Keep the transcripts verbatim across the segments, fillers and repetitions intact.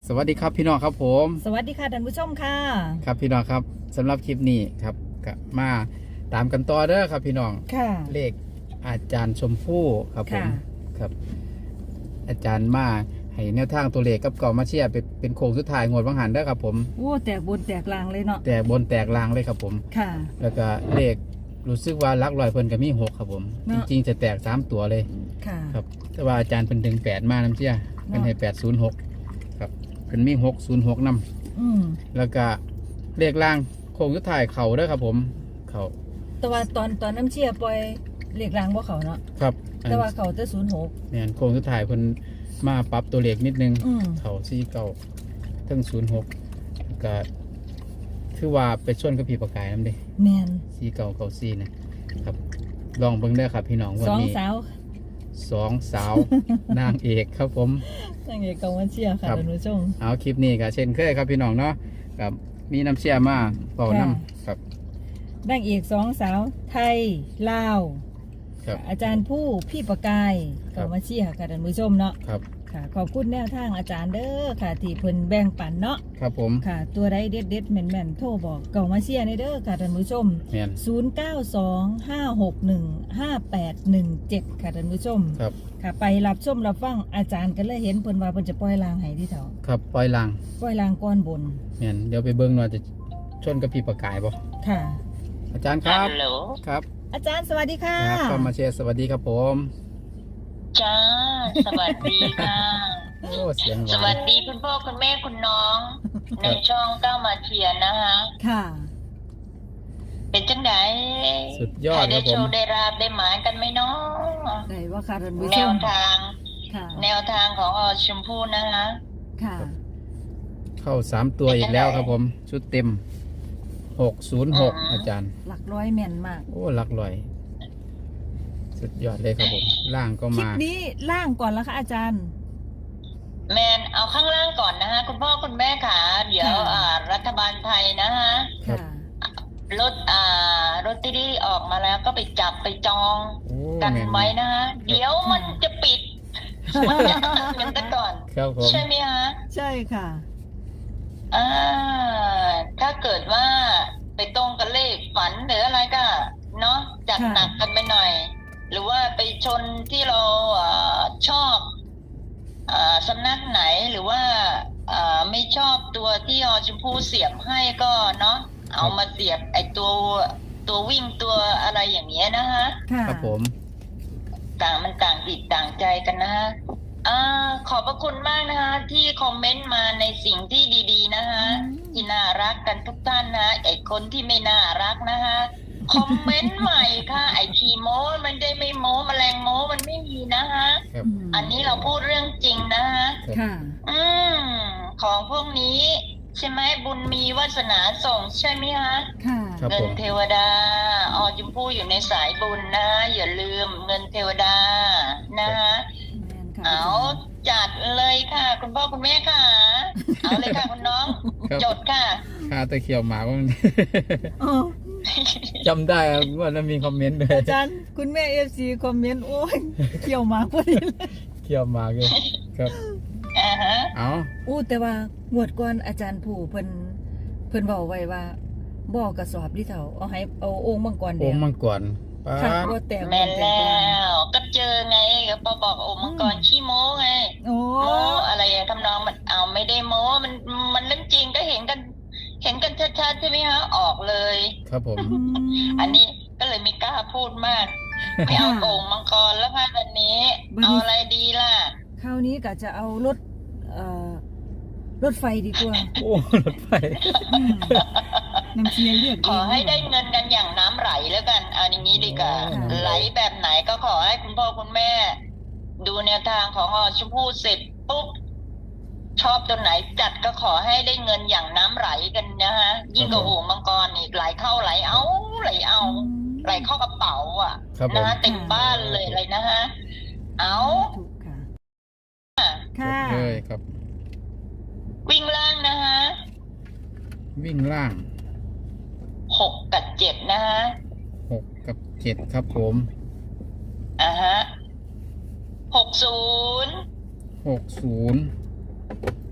สวัสดีครับพี่น้องครับผมสวัสดีค่ะท่านผู้ชมค่ะครับพี่น้องครับสำหรับคลิปนี้ครับก็มาตามกันต่อเด้อครับพี่น้องค่ะเลขอาจารย์ชมพู่ครับผมค่ะครับ อาจารย์มาให้แนวทางตัวเลขกับเก่ามาเชียร์เป็นเป็นโค้งสุดท้ายงวดวังหันเด้อครับผมโอ้แตกบนแตกลางเลยเนาะแต่บนแตกลางเลยครับผมค่ะแล้วก็เลขรู้สึกว่าหลักลอยเพิ่นก็มีหกครับผมเนาะจริงๆจะแตกสามตัวเลยค่ะครับแต่ว่าอาจารย์เป็นดึงแปดมาน้ำเชี่ยเป็นให้แปดศูนย์หกครับเป็นมีหกศูนย์หกนำอืมแล้วก็เลขล่างโค้งสุดท้ายเข่าเด้อครับผมเข่าแต่ว่าตอนตอนน้ำเชียร์ปล่อยเรียกลางว่าเขาเนาะครับแต่ว่าเขาจะศูนย์หกเนี่ยโค้งสุดท้ายเพิ่นมาปรับตัวเลขนิดนึงอืมเข่าสี่เก้าถึงศูนย์หกก็คือว่าไปชนกับพี่ประกายน้ำเด้แมนสี่เก้าเก้าสี่นะครับลองเบิ่งเด้อครับพี่น้องวันสองนี้สาวสองสาว นางเอกครับผมนางเอกกับวันเชียร์ค่ะครับท่านผู้ชมเอาคลิปนี้ก็เช่นเคยครับพี่น้องเนาะกับมีน้ำเชี่ยมาเป่าค่ะน้ำครับนางเอกสองสาวไทยลาวครับอาจารย์ผู้พี่ประกายครักับบ วันเชียร์ค่ะท่านผู้ชมเนาะครับค่ะ ขอบคุณแนวทางอาจารย์เด้อค่ะที่เพิ่นแบ่งปันเนาะครับผมค่ะ ตัวใดเด็ดเด็ดๆแม่นแม่นๆโทรบอกเก่ามาเชียร์ในเด้อค่ะท่านผู้ชมแม่นศูนย์ เก้า สอง ห้า หก หนึ่ง ห้า แปด หนึ่ง เจ็ด ค่ะท่านผู้ชมครับค่ะ ไปรับชมรับฟังอาจารย์กันเลยเห็นเพิ่นว่าเพิ่นจะปล่อยลางให้ที่เถาครับปล่อยลางปล่อยลางก้อนบนแม่นเดี๋ยวไปเบิ่งว่าจะชนกับพี่ประกายบ่ค่ะอาจารย์ครับฮัลโหลครับอาจารย์สวัสดีค่ะครับก็มาเชียร์สวัสดีครับผมจ้า สวัสดีค่ะโอ้เสียงหสวาวัน สดีคุณพ่อคุณแม่คุณน้องครัในบช่องก้าวมาเชียร์นะคะค่ะเป็นจังไดสุดยอดใครคได้รับผโชมว์ได้ราบได้หมายกันไหมเนาะได้ว่าค่ะท่านผู้แนชวมทางค่ะแนวทางของอชมพู่นะคะค่ะเข้าสามตัวอีกแล้วครับผม ชุดเต็มหกศูนย์หกอาจารย์หลักร้อยแม่นมากโอ้หลักลอย สุดยอดเลยครับผมล่างก็คลิปมานี้ล่างก่อนแล้วค่ะอาจารย์แมนเอาข้างล่างก่อนนะคะคุณพ่อคุณแม่ค่ะเดี๋ยวค่ะอ่ารัฐบาลไทยนะคะครับค่ะรถอ่ารถที่ออกมาแล้วก็ไปจับไปจองโอ้กันแม่นไว้นะคะเดี๋ยวมันจะปิด มันจะตัดกันซะก่อนครับผมใช่ไหมคะใช่ค่ะอ่าถ้าเกิดว่าไปตรงกับเลขฝันหรืออะไรก็เนาะจัดค่ะหนักกันไปหน่อย หรือว่าไปชนที่เราอ่าชอบอ่าสำนักไหนหรือว่าอ่าไม่ชอบตัวที่อชมพูเสียบให้ก็เนาะเอามาเสียบไอตัวตัววิ่งตัวอะไรอย่างเงี้ยนะคะค่ะครับผมต่างมันต่างจิตต่างใจกันนะฮะอ่าขอบพระคุณมากนะคะที่คอมเมนต์มาในสิ่งที่ดีๆนะคะอืมที่น่ารักกันทุกท่านนะไอ้คนที่ไม่น่ารักนะคะคอมเมนต์ใหม่ค่ะ ไอ้ขี้โม้มันได้ไม่โม้แมลงโม้มันไม่มีนะคะครับมอันนี้เราพูดเรื่องจริงนะคะค่ะอืมของพวกนี้ใช่ไหมบุญมีวาสนาส่งใช่ไหมคะค่ะครับเงิผนมเทวดาอจมพู่อยู่ในสายบุญนะ อย่าลืมเงินเทวดานะคะแม่นค่ะเอาจัดเลยค่ะ คุณพ่อคุณแม่ค่ะ เอาเลยค่ะคุณน้องครับจดค่ะคาตะเขียวหมาว่ามันโอ้จำได้ครับว่านั้นมีคอมเมนต์ด้วยอาจารย์คุณแม่เอฟซีคอมเมนต์โอ้ยเขี่ยวหมากพอดีเลยเขียวหมาเลยครับอ่าฮะเอาอู้แต่ว่างวดก่อนอาจารย์ผู้เพิ่นเพิ่นบอกไว้ว่าบ่อกระสอบที่เถาเอาให้เอาโอ่งมังกรแดโอ้งมังกรป้าค่ะดบ่แตกแม่นบ่ตแล้กลางว ก็เจอไงก็พอบอกโอ้มังกรขี้โม้ไงโอ้โม้อะไรอะทำนองมันเอาไม่ได้โม้มันมันเรื่องจริงก็เห็นกัน เห็นกันชัดๆใช่ไหมคะออกเลยครับผมอืมอันนี้ก็เลยไม่กล้าพูดมากไม่เอาโอ่งมังกรแล้วค่ะวันนี้วันนี้เอาอะไรดีล่ะคราวนี้ก็จะเอารถเอ่อรถไฟดีกว่าโอ้รถไฟอืมน้ำเชียร์เลือกเองขอให้ได้เงินกันอย่างน้ำไหลแล้วกันเอาอย่างนี้ดีกว่าอ๋อไหลแบบไหนก็ขอให้คุณพ่อคุณแม่ ดูแนวทางของอชมพู่เสร็จปุ๊บชอบตัวไหนจัดก็ขอให้ได้เงินอย่างน้ำไหลกันนะฮะยิ่งกว่าโอ่งมังกรอีกไหลเข้าไหลเอาไหลเอา ไหลเข้ากระเป๋าอ่ะครับผมนะฮะเต็มบ้านเลยเลยนะฮะเอาถูกค่ะจค่ะบเลยครับวิ่งล่างนะฮะวิ่งล่างหกกับเจ็ดนะฮะหกกับเจ็ดครับผมอ่าฮะหกศูนย์หกศูนย์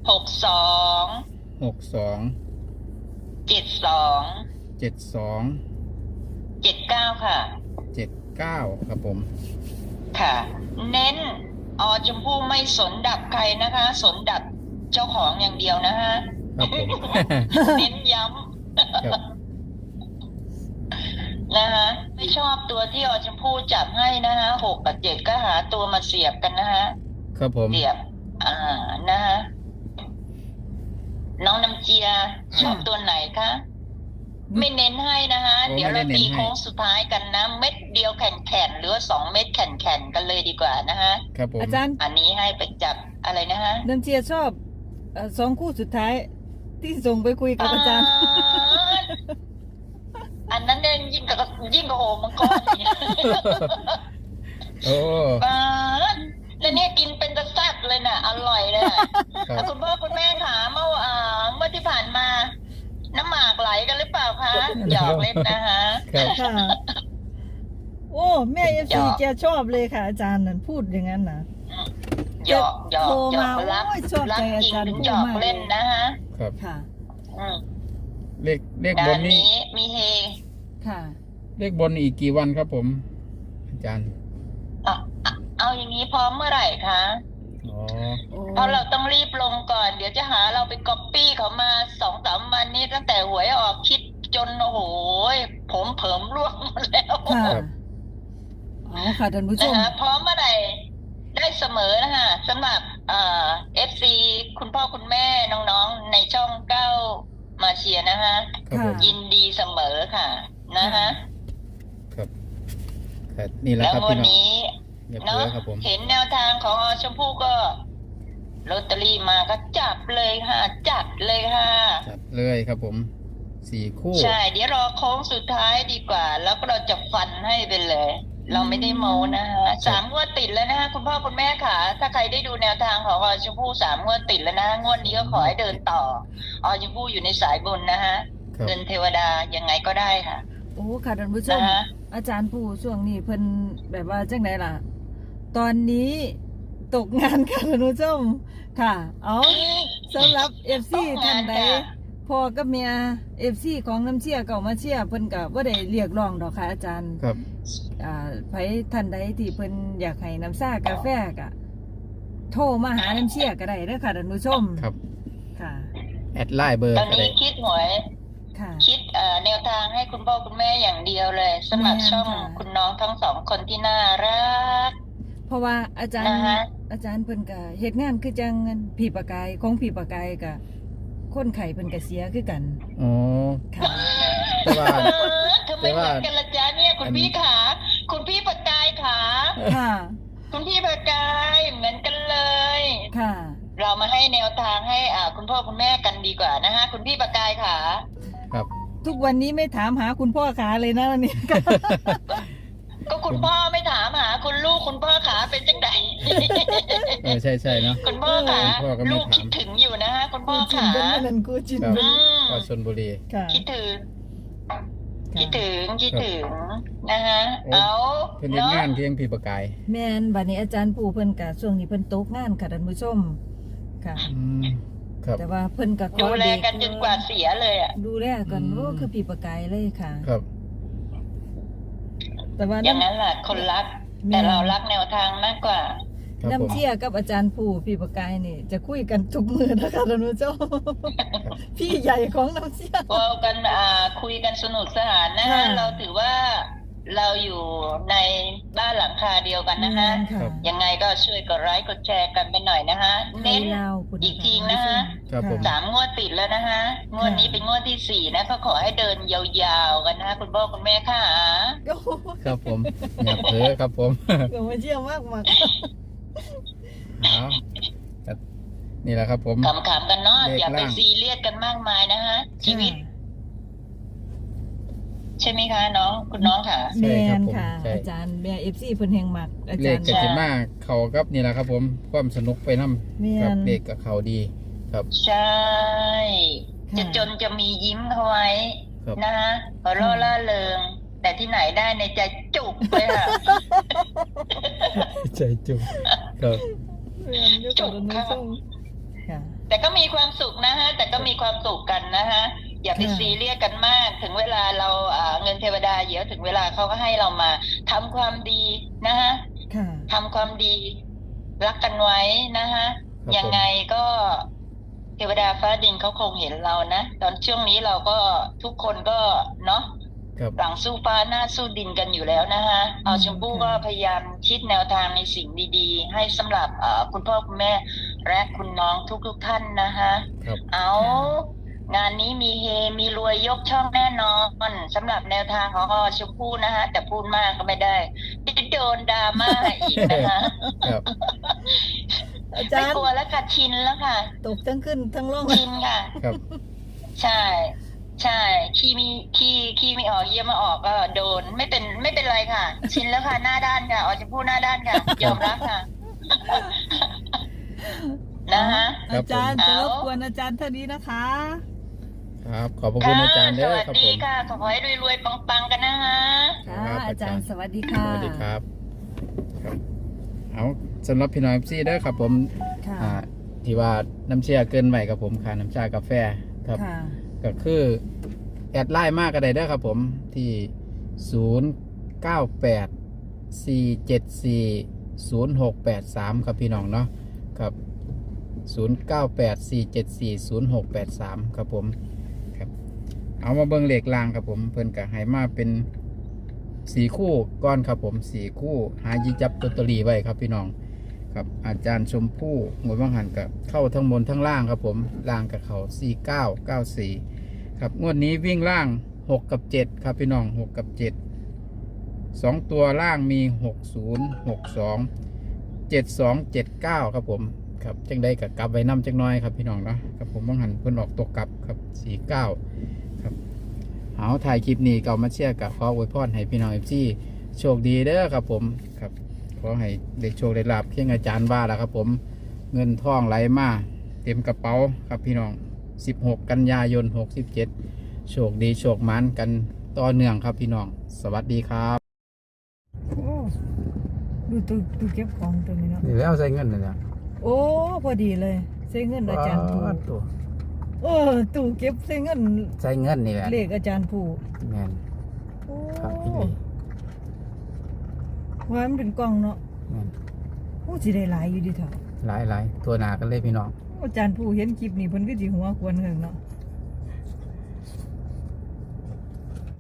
หกสองหกสองเจ็ดสองเจ็ดสองเจ็ดเก้าค่ะเจ็ดเก้าครับผมค่ะ เน้นอชมพู่ไม่สนดับใครนะคะ สนดับเจ้าของอย่างเดียวนะคะครับผมเน้นย้ครับำนะคะไม่ชอบตัวที่อชมพู่จับให้นะคะหกกับเจ็ดก็หาตัวมาเสียบกันนะคะครับผมเสียบ อ่านะคะน้องน้ำเจียชอบตัวไหนคะไม่เน้นให้นะคะโอ้เดี๋ยวไม่เราได้เน้นตีให้โค้งสุดท้ายกันนะ เม็ดเดียวแข็งๆหรือว่าสองเม็ดแข็งๆกันเลยดีกว่านะคะครับผมอาจารย์อันนี้ให้ไปจับอะไรนะคะน้ำเชียร์ชอบเอ่อสองคู่สุดท้าย ที่ส่งไปคุยกับอาจารย์อันนั้นเนี่ยยิ่งกับยิ่งกับโอมังกรอีกโอ้ปาดแล้วเนี่ยกินเป็นตะซัดเลยน่ะ อร่อยเลยน่ะครับคุณพ่อคุณแม่ขาเมื่ออ่าเมื่อที่ผ่านมา น้ำหมากไหลกันหรือเปล่าคะหยอกเล่นนะคะครับค่ะ โอ้แม่เอฟซีแกชอบเลยค่ะ อาจารย์นั่นพูดอย่างนั้นนะหยอกหยอกโทรหยอมากรักโอ้ยชอบรัใจกอาจริงจารย์ถึงพูดหยอกมากเล่นนะฮะครับค่ะอืมเลขเลขบงาน นนี้นี้มีเฮค่ะเลขบนอีกกี่วันครับผม อาจารย์อ่ะอ่ะเอาอย่างนี้พร้อมเมื่อไหร่คะอ๋อโอ้เพราะเราต้องรีบลงก่อน เดี๋ยวจะหาเราไปก๊อปปี้เขามาสองสามวันนี้ตั้งแต่หวยออกคิดจนโอ้โหผมเผิมร่วงหมดแล้วค่ะครับเอาค่ะท่านผู้ชนะมคะพร้อมเมื่อไหร่ได้เสมอนะคะสำหรับเอ่อฟซีคุณพ่อคุณแม่น้องๆในช่องเก้ามาเชียร์นะคะครับผมยินดีเสมอค่ะนะคะครับครับนี่แหละแล้วครับวัพี่นน้องนี้อย่าเผลเนาะอครับผมเห็นแนวทางของอชมพู่ก็ลอตเตอรี่มาก็จับเลยค่ะ จัดเลยค่ะจัดเลยครับผม สี่คู่ใช่ เดี๋ยวรอโค้งสุดท้ายดีกว่า แล้วก็เราจะฟันให้ไปเลย เราไม่ได้โมนะฮะสามงวดติดแล้วนะฮะคุณพ่อคุณแม่ค่ะถ้าใครได้ดูแนวทางของอชมพู่สามงวดติดแล้วนะงวดนี้ก็ขอให้เดินต่ออชมพู่อยู่ในสายบุญนะฮะครับเงินเทวดายังไงก็ได้ค่ะโอ้ค่ะท่านผู้ชนะมฮะอาจารย์ผู้ช่วงนี้เพิ่นแบบว่าจังไดล่ะ ตอนนี้ตกงานค่ะท่านผู้ชมค่ะ เอาสำหรับ เอฟ ซี ท่านใดพ่อกับเมีย เอฟ ซี ของน้ำเชี่ยเก่ามาเชี่ยเพิ่นก็บ่ได้เรียกร้องดอกค่ะอาจารย์ครับอ่าไผท่านใดที่เพิ่นอยากให้น้ำซ่ากาแฟก็โทรมาหาน้ำเชี่ยก็ได้เด้อค่ะท่านผู้ชมครับค่ะแอดไลน์เบอร์ตอนก็นี้ได้คิดหวยค่ะคิดเอ่อแนวทางให้คุณพ่อคุณแม่อย่างเดียวเลยสมัครช่องแม่นค่ะคุณน้องทั้งสองคนที่น่ารักเพราะว่าอาจารย์นะฮะอาจารย์เพิ่นก็เฮ็ดงานคือจังผีปากายของผีปากายก็คนไข้เพิ่นก็เสียคือกันอ๋อค่ะแต่ว่าเออทำไมเหมือนกันละจ๊ะเนี่ยคุณพี่ขา คุณพี่ปากกายขาค่ะคุณพี่ปากกายเหมือนกันเลยค่ะเรามาให้แนวทางให้อ่าคุณพ่อคุณแม่กันดีกว่านะฮะคุณพี่ปากกายขาครับทุกวันนี้ไม่ถามหาคุณพ่อขาเลยนะวันนี้ก็คุณพ่อไม่ถามหาคุณลูกคุณพ่อขาเป็นจังไดเออใช่ใช่เนาะคุณพ่อขาคุณพ่อก็ไม่ลูกถามคิดถึงอยู่นะฮะคุณพ่อกูจินขาเป็นนั่นกูจินครับเป็นอืมก็ชนบุรีค่ะคิดถึงค่ะคิดถึงคิดถึงนะฮะโอ้เอาเพิ่นเฮ็ดเนาะงานเพียงผีประกายแม่นบัดนี้อาจารย์ปู่เพิ่นก็ช่วงนี้เพิ่นตกงานค่ะท่านผู้ชมค่ะอืมครับแต่ว่าเพิ่นก็ขอดูแลเบรกันจนกว่าเสียเลยอ่ะดูแลกันอืมโอ้คือผีปากกายเลยค่ะครับแต่ว่าอย่างน้ำนั้นแหละคนรักแม่แต่เรารักแนวทางมากกว่าครับผมน้ำเชี่ยกับอาจารย์ปู่ผีปากกายนี่จะคุยกันทุกมื้อนะคะท่านผู้ชมพี่ใหญ่ของน้ำเชี่ยก็กันอ่าคุยกันสนุกสนานนะฮะค่ะเราถือว่าเราอยู่ในบ้านหลังคาเดียวกันนะฮะค่ะยังไงก็ช่วยกดไลค์กดแชร์กันไปหน่อยนะฮะ เน้นไทยลาวคุณอีกทีนะฮะครับผมสามงวดติดแล้วนะฮะ งวดนี้เป็นงวดที่สี่นะก็ขอให้เดินยาวๆกันนะฮะคุณพ่อคุณแม่ค่ะโอ้โหครับผมอย่าเผลอครับผมเดี๋ยวมาเชี่ยมากมากเอาครับนี่แหละครับผมขำๆกันเนาะเลขอย่าไปล่างซีเรียสกันมากมายนะฮะ ชีวิต ใช่ไหมคะน้องคุณน้องค่ะแมใช่ครับนผมค่ะใช่อาจารย์แม่เอฟซีเพิ่นแหงมักอาเลจาขรย์กับจิมาเขากับนี่แหละครับผมความสนุกไปน้แมำครับนเลขกับเขาดีครับใช่ค่ะจะจนจะมียิ้มเขาไว้ครับนะฮะหัวเราะล่าเริง แต่ที่ไหนได้ในใจจุกเลยค่ะใจจุกครับแม่นอยู่กับท่านผู้ชมค่ะแต่ก็มีความสุขนะฮะ แต่ก็มีความสุขกันนะฮะ อย่าไปค่ะซีเรียสกันมาก ถึงเวลาเราอ่าเงินเทวดาเดี๋ยวถึงเวลาเขาก็ให้เรามาทำความดีนะฮะค่ะทำความดีรักกันไว้นะฮะครับยังไงก็เทวดาฟ้าดินเขาคงเห็นเรานะ ตอนช่วงนี้เราก็ทุกคนก็เนาะครับหลังสู้ฟ้าหน้าสู้ดินกันอยู่แล้วนะฮะ เอาชมพู่ก็พยายามคิดแนวทางในสิ่งดีๆ ให้สำหรับเอ่อคุณพ่อคุณแม่และคุณน้องทุกๆท่านนะฮะครับเอางานนี้มีเฮมีรวยยกช่องแน่นอนสำหรับแนวทางของอชมพู่นะฮะ แต่พูดมากก็ไม่ได้จะโดนดราม่าอีกนะคะครับอาจาไม่รย์กลัวแล้วค่ะชินแล้วค่ะตกทั้งขึ้นทั้งลงชินค่ะครับใช่ ใช่ขี้มีขี้ขี้ไม่ออกเยี่ยมไม่ออกก็โดนไม่เป็นไม่เป็นไรค่ะ ชินแล้วค่ะหน้าด้านค่ะออจะพูดหน้าด้านค่ะ ยอมรับค่ะ นะฮะครัอาบจารย์ผมจะรบกวนอาจารย์เท่านี้นะคะครับ ขอบพระคุณอาจารย์เด้อสวัสครับดีผมค่ะขอให้รวยๆปังๆกันนะฮะค่ะครับอาจารย์สวัสดีค่ะสวัสดีครับ ครับ เอาสำหรับพี่น้องเอฟซีเด้อครับผมค่ะอ่า ที่ว่าน้ำเชื่อเกินไหวกับผมค่าน้ำชากาแฟครับค่ะก็คือแอดไลน์มากก็ได้เด้อครับผมที่ ศูนย์ เก้า แปด สี่ เจ็ด สี่ ศูนย์ หก แปด สาม ครับพี่น้องเนาะครับ ศูนย์ เก้า แปด สี่ เจ็ด สี่ ศูนย์ หก แปด สาม ครับผมครับเอามาเบิ่งเลขลางครับผมเพิ่นก็ให้มาเป็นสีคู่ก้อนครับผมสีคู่หายิจับตัวตรีไว้ครับพี่น้องครับอาจารย์ชมพู่งวดว่างหันกับเข้าทั้งบนทั้งล่างครับผมล่างกับเขาสี่เก้าเก้าสี่ครับงวดนี้วิ่งล่างหกกับเจ็ดครับพี่น้องหกกับเจ็ดสองตัวล่างมีหกศูนย์หกสองเจ็ดสองเจ็ดเก้าครับผมครับจังได้กับกลับไว้น้ำจังน้อยครับพี่น้องเนาะครับผมว่างหันเพิ่นออกตัวกลับครับสี่เก้าครับเอาถ่ายคลิปนี้ก็เอามาเชียร์กับขออวยพรให้พี่น้องเอฟซีโชคดีเด้อครับผมครับ ขอให้ได้โชคได้ลาบเพียงอาจารย์ว่าแล้วครับผมเงินทองไหลมาเต็มกระเป๋าครับพี่น้องสิบหกกันยายนหกสิบเจ็ดโชคดีโชคมันกันต่อเนื่องครับพี่น้องสวัสดีครับโอ้ดูตู้ตู้เก็บของตัวนี้เนาะนี่แล้วใส่เงินเลยนะโอ้ พอดีเลยใส่เงินอาจารย์ผู้ตัวโอ้ตู้เก็บใส่เงินใส่เงินนี่แหละเลขอาจารย์ผู้แม่นโอ้ครับพี่ลีว่ามันเป็นกล่องเนาะแม่นโอ้สิได้หลายอยู่ดีเถอะหลายหลายตัวหนากันเลยพี่น้องอาจารย์ผู้เห็นคลิปนี้เพิ่นก็สิหัวควรเหิงเนาะ